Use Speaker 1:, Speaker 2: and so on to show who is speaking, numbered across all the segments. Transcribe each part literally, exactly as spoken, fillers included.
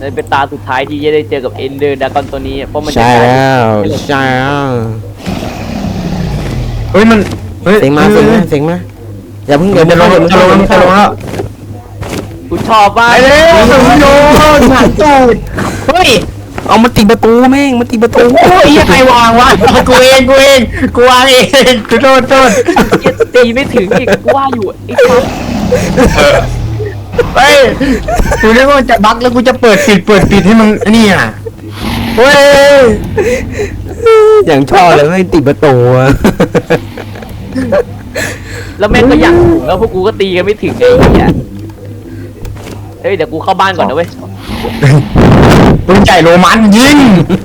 Speaker 1: เป็นตาสุดท้ายที่จะได้เจอกับเอนเดอร์ดากอนตัวนี้เพราะมันจะ
Speaker 2: ใช่แล้วใช่แล้ว
Speaker 3: เฮ้ยมันเฮ้ย
Speaker 2: เสียงมาเสียงมาเสียงมาอย่าเพิ่ง
Speaker 3: เดี๋ยวจะลงจะลงจะลงแล้ว
Speaker 1: กูชอบมาก
Speaker 3: ไปเลยสุดโยนผ่านตูดเฮ้ย
Speaker 2: เอามาตีประตูแม่งมาตีประตู
Speaker 3: โอ้ยใครวางวะกูเองกูเองกูวางเองกูโทษโทษ
Speaker 1: ตีไม่ถึงอีกกูว่าอยู่ไอ้ครับ
Speaker 3: เฮ้ยกูนึกว่าจะบั๊กแล้วกูจะเปิดปิดเปิดปิดให้มึงนี่อ่ะเฮ้ย
Speaker 2: อย่างชอบเลยไม่ตีประตูอะ
Speaker 1: แล้วแม่งก็อยากถึงแล้วพวกกูก็ตีกันไม่ถึงไอ้เหี้ยเฮ้ยเดี๋ยวกูเข้าบ้านก่อนนะเว้ย
Speaker 3: ปืนใหญ่โรมันยิง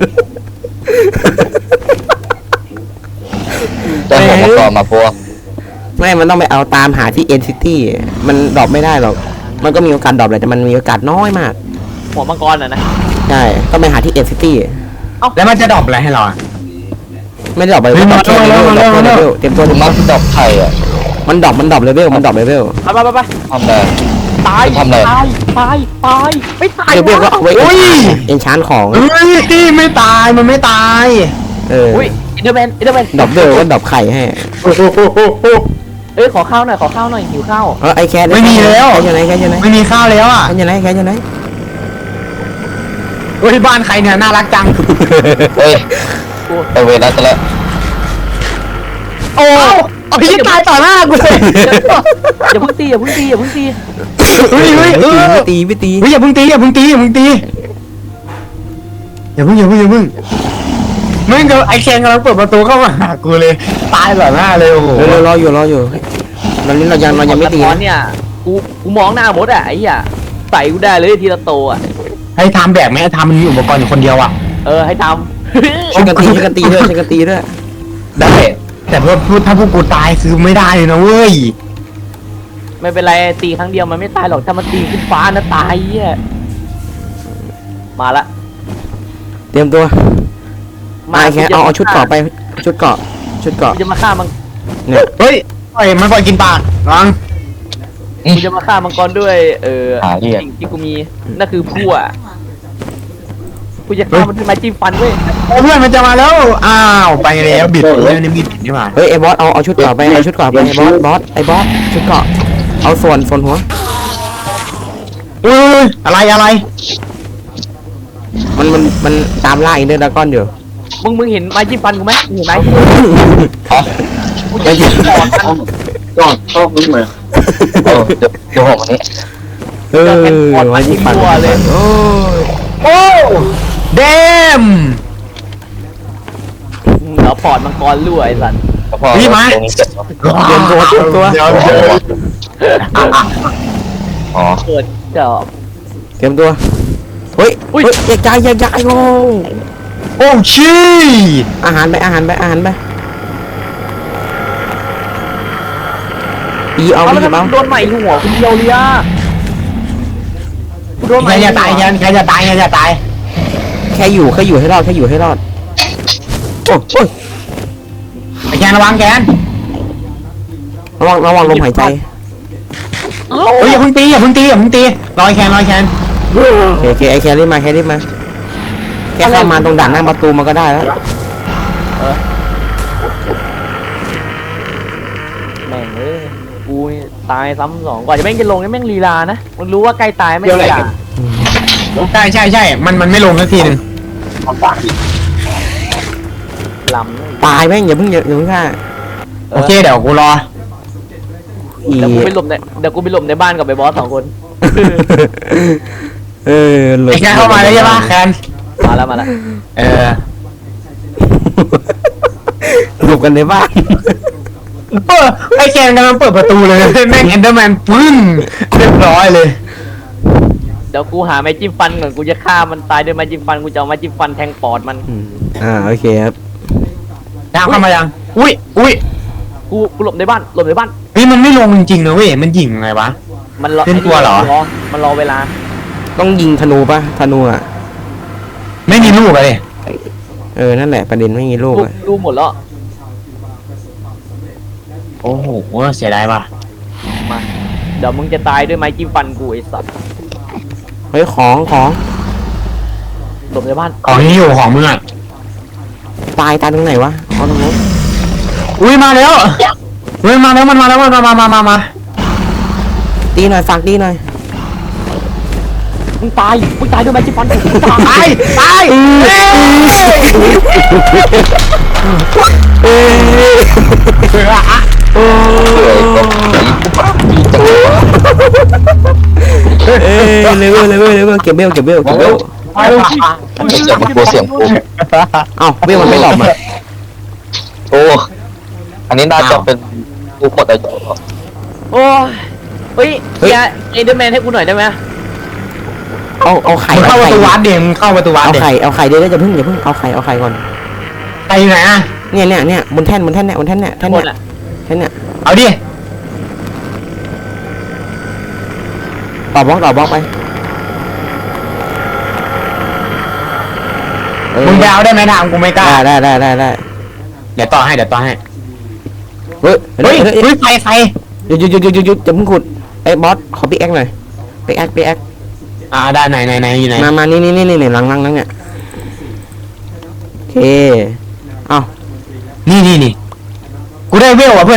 Speaker 4: จะหมดก่อนมาพวก
Speaker 2: ไม่มันต้องไปเอาตามหาที่เอ็นซิตี้มันดรอปไม่ได้หรอกมันก็มีโอกาสดรอปแหละแต่มันมีโอกาสน้อยมาก
Speaker 1: หัวมังกรอ่ะนะ
Speaker 2: ใช่ต้องไปหาที่เอ็นซิตี้
Speaker 3: แล้วมันจะดรอปอะไรให้เรา
Speaker 2: ไม่ได้ดรอปไป
Speaker 3: เฮ้ย
Speaker 2: ดรอปแค่เลเวล
Speaker 3: มา
Speaker 2: ด
Speaker 3: แล้
Speaker 2: รอ
Speaker 3: ว
Speaker 2: ป
Speaker 3: มา
Speaker 2: เล
Speaker 3: แล้ว
Speaker 2: เวลเตรียมตัวหนึ่ง
Speaker 4: มักดอกไข่อ่ะ
Speaker 2: มันดรอปมันดรอปเลเวลมันดรอปเลเวล
Speaker 1: ไปไปไปไป
Speaker 4: ทำอะไร
Speaker 1: ตาย
Speaker 4: ทำอะไร
Speaker 1: ตายตายตายไม่ตาย
Speaker 2: เลเวลก็เอาไว้
Speaker 3: อุ้ย
Speaker 2: เอ็นชานของ
Speaker 3: เฮ้ยที่ไม่ตายมันไม่ตาย
Speaker 2: เออ
Speaker 1: อุ้ยอินเดอร์แมนอินเดอร์แมน
Speaker 2: ดรอปเวลก็ดรอปไข่ให้
Speaker 3: โอ้โหโอ้โหโอ้โห
Speaker 1: เอ้ยขอข้าวหน่อยขอข้าวหน่อยหิวข้าว
Speaker 2: เออไอแคท
Speaker 3: ไม่มีแล้ว
Speaker 2: แคทอยู่ไหนแคทอยู่ไหน
Speaker 3: ไม่มีข้าวแล้วอ่ะ
Speaker 2: แคทอยู่ไหนแคทอยู่ไหน
Speaker 3: เฮ้ยบ้านใครเนี่ยน่ารักจัง
Speaker 4: เฮ้ยไปเวรแล้วจะแล้ว
Speaker 3: โอ้เอาพี่ตายต่อหน้ากูเลย
Speaker 1: อย่าเพิ่งตีอย่าเพิ่งตีอย่าเพิ่งตี
Speaker 3: เฮ้ยเฮ้ยเออ
Speaker 2: ไม่ตีไม่ตี
Speaker 3: เฮ้ยอย่าเพิ่งตีอย่าเพิ่งตีอย่าเพิ่งตีอย่าเพิ่งอย่าเพิ่งอย่าเพิ่งมึงกับไอเคนกำลังเปิดประตูเข้ามาหากูเลยตายต่อหน้าเลยโอ้โห
Speaker 2: เออรออยู่รออยู่ตอนนี้เรายังเรายังไม่ตี
Speaker 1: ตอน
Speaker 2: นะ
Speaker 1: เนี่ยกูกูมองหน้ามดอ่ะไอ้เหี้ยใส่กูได้เลยทีละโตอ่ะ
Speaker 3: ให้ทำแบบไหมทำมันมีอุปกรณ์อยู่คนเดียวอ่ะ
Speaker 1: เออให้ท
Speaker 2: ช่วยกันตีช่วยกันตีด้วยช่วยกันตีด้วย
Speaker 3: ได้แต่เพื่อพูดถ้าพวกกูตายคือไม่ได้เลยนะเว้ย
Speaker 1: ำไม่เป็นไรตีครั้งเดียวมันไม่ตายหรอกถ้ามันตีขึ้นฟ้านะตายเหี้ยมาละ
Speaker 2: เตรียมตัวมาแคทเอาเอาชุดเกาะไปชุดเกาะชุดเกาะ
Speaker 1: กูจะมาฆ่ามัง
Speaker 2: เนี่ย
Speaker 3: เฮ้ยปล่อยมันปล่อยกินปลาลัง
Speaker 1: กูจะมาฆ่ามังกรด้วยเออ
Speaker 4: หาเรียก
Speaker 1: สิ่งที่กูมีนั่นคือพั่วกูจะฆ่ามันด้วยไม้จิ้มฟันเว้ย
Speaker 3: เพื่อนมันจะมาแล้วอ้าวไปแล้วบิดเลยนี่บิดนี่มา
Speaker 2: เฮ้ยไอ้บอสเอาเอาชุดเกาะไปเอาชุดเกาะไปไอ้บอสบอสไอ้บอสชุดเกาะเอาส่วนส่วนหัว
Speaker 3: เอ้ยอะไรอะไร
Speaker 2: มันมันมันตามล่าอินเดอร์ดากอนอยู่
Speaker 1: มึงมึงเห็นไม้จิ้มฟันกูไหมมึงเห็นไหม
Speaker 4: อ๋อ
Speaker 1: กูจะยิงก่อนมัน
Speaker 4: ก่อนชอบนึกเลยเออเดี๋ยวเดี๋ยวผมอันนี้
Speaker 2: เออวันที่ฝันโอ้ย
Speaker 3: โอ้เดม
Speaker 1: เหนือพอร์ตมังกรรั่วไอ้สัตว์
Speaker 4: พอตรงนี้เสร็จ
Speaker 2: เตรียมตัวเตรียมตัว
Speaker 3: เดี๋ยวเดี๋ยว
Speaker 4: อ๋อ
Speaker 1: เกิดจอบ
Speaker 2: เตรียมตัวเฮ้ยเฮ้ยแยกย้ายแยกย้ายโง่
Speaker 3: โอ้ชี
Speaker 2: อาหารไปอาหารไปอาหารไปอีเอา
Speaker 1: เอา
Speaker 2: ไป
Speaker 1: แล้ว
Speaker 2: เอา
Speaker 1: โดนใหม่หัวคุณเดียวเลยอ่ะกูโดนให
Speaker 3: ใคร
Speaker 1: ม่
Speaker 3: จะตายยันใครจะตายใครจะตาย
Speaker 2: แค่อยู่แค่อยู่ให้รอดแค่อยู่ให้รอดโอ้ย
Speaker 3: ไอ้แกนระวังแกน
Speaker 2: ระวังระวังลมหายใจ
Speaker 3: เฮ้ยอย่าเพิ่งตีอย่าเพิ่งตีอย่าเพิ่งตีรอยแคนรอยแคน
Speaker 2: โอเคโอเคไอแครีบมาแครีบมาแค่เข้ามาตรงด่านหน้าประตูมันก็ได้แล้ว
Speaker 1: แม่งเอ้ยกูนี่ตายซ้ำสองกว่าจะแม่งจะลงเนี่ยแม่งลีลานะมึงรู้ว่าใกล้ตายไม่ลีลา
Speaker 3: ใช่ใช่ใช่มันมันไม่ลงสักทีนึง
Speaker 1: ลำเลย
Speaker 2: ตายแม่งอย่าเพิ่งอย่าอย่าเพิ่งฆ่า
Speaker 3: โอเคเดี๋ยวกูรอ
Speaker 2: อี
Speaker 1: เดี๋ยวกูไปหลบในเดี๋ยวกูไปหลบในบ้านกับไอ้บอสสองคน
Speaker 2: เออหลบ
Speaker 3: ไอ้แคนเข้ามาแล้วใช่ปะแคน
Speaker 1: มาแล้วมาแล้ว
Speaker 3: เออ
Speaker 2: หลบกันในบ้าน
Speaker 3: เออไอ้แคนกำลังเปิดประตูเลยแม่งเอนเดอร์แมนปึ้งเรียบร้อยเลย
Speaker 1: เดี๋ยวกูหาไม้จิ้มฟันก่อนกูจะฆ่ามันตายด้วยไม้จิ้มฟันกูจะเอาไม้จิ้มฟันแทงปอดมัน
Speaker 2: อืมอ่าโอเคครับ
Speaker 3: ดาวเข้ามายังอุ้ยอุ้ย
Speaker 1: กูกูหลบในบ้านหลบในบ้าน
Speaker 3: เฮ้ยมันไม่ลงจริงๆนะเว้ยมันยิงไงวะ
Speaker 1: มันรอ
Speaker 3: เป็นตัวเหรอ
Speaker 1: มันรอเวลา
Speaker 2: ต้องยิงธนูปะธนูอ่ะ
Speaker 3: ไม่มีลูกเลย
Speaker 2: เออนั่นแหละประเด็นไม่มีลูก
Speaker 1: กู
Speaker 2: อะ
Speaker 1: ดูหมดแล้ว
Speaker 3: โอ้โหเสียดายว่ะ
Speaker 1: มาเดี๋ยวมึงจะตายด้วยไม้จิ้มฟันกูไอ้สัตว์
Speaker 2: เฮ้ยของของ
Speaker 1: หลบในบ้าน
Speaker 3: ของที่อยู่ของมึงอ่ะ
Speaker 2: ตายตายตรงไหนวะเอาตรงนู้น
Speaker 3: อุ้ยมาแล้วเฮ้ยมาแล้วมันมาแล้วมันมามามามามา
Speaker 2: ตีหน่อยฝากตีหน่อย
Speaker 1: มึงตายมึงตายด้วยแมจิกฟอนมึงตาย
Speaker 3: ตายตายเอ้ย
Speaker 2: โอ้
Speaker 4: เปื่อยก็มีจังหวะ
Speaker 2: เอ้ยเลเวลเลเวลเลเวลเก็บเบลเก็บเบลเก็บเบล
Speaker 3: ไปลูก
Speaker 4: จะมากลัวเสียงกู
Speaker 2: เอ้าเบลมันไม่ดรอปอ่ะ
Speaker 4: โอ้อันนี้น่าจะเป็นกูหมดอายุ
Speaker 1: โอ้ยเฮ้ยเฮียเอเดอร์แมนให้กูหน่อยได้ไหม
Speaker 2: เอาเอาไข่
Speaker 3: มึงเข้า
Speaker 2: เอา
Speaker 3: ประ
Speaker 2: ไข่
Speaker 3: ตูวัดเดี๋ยวมึงเข้าประตูวัด
Speaker 2: เอา
Speaker 3: เดี๋ยว
Speaker 2: ไข่เอาไข่เดี๋ยวจะพึ่งอย่าพึ่งเอาไข่เอาไข่ก่อน
Speaker 3: ไปไหนอ่ะ
Speaker 2: เนี่ยเนี่ยเนี่ยบนแท่นบนแท่นเนี่ยบนแท่นเนี่ยแท่น
Speaker 1: หม
Speaker 2: เนี่
Speaker 1: ด
Speaker 2: ย
Speaker 1: อ่ะ
Speaker 2: แท่นเนี่ย
Speaker 3: เอาดิ
Speaker 2: ต่อบล็อกต่อบล็อกไปเออ
Speaker 3: มึงไปเอาได้ไหมทางกูไม่กล้า
Speaker 2: ได้ได้ได้ได้ได้
Speaker 3: เดี๋ยวต่อให้เดี๋ยวต่อให้
Speaker 2: เฮ้ย
Speaker 3: เฮ้ย
Speaker 2: เฮ้ย
Speaker 3: เฮ้ยไฟไฟ
Speaker 2: หยุดหยุดหยุดหยุดหยุดหยุดจะพึ่งขุดไอ้บอสขอปิกแอคหน่อยปิกแอคปิกแอค
Speaker 3: อ่าได้ไหนไหนไหนอยู่ไหน
Speaker 2: มามานี่นี่นี่นี่หลังหลังหลังเนี่ยโอเคเอ้า
Speaker 3: นี่นี่นี่กูได้เวลอ่ะเพื่อน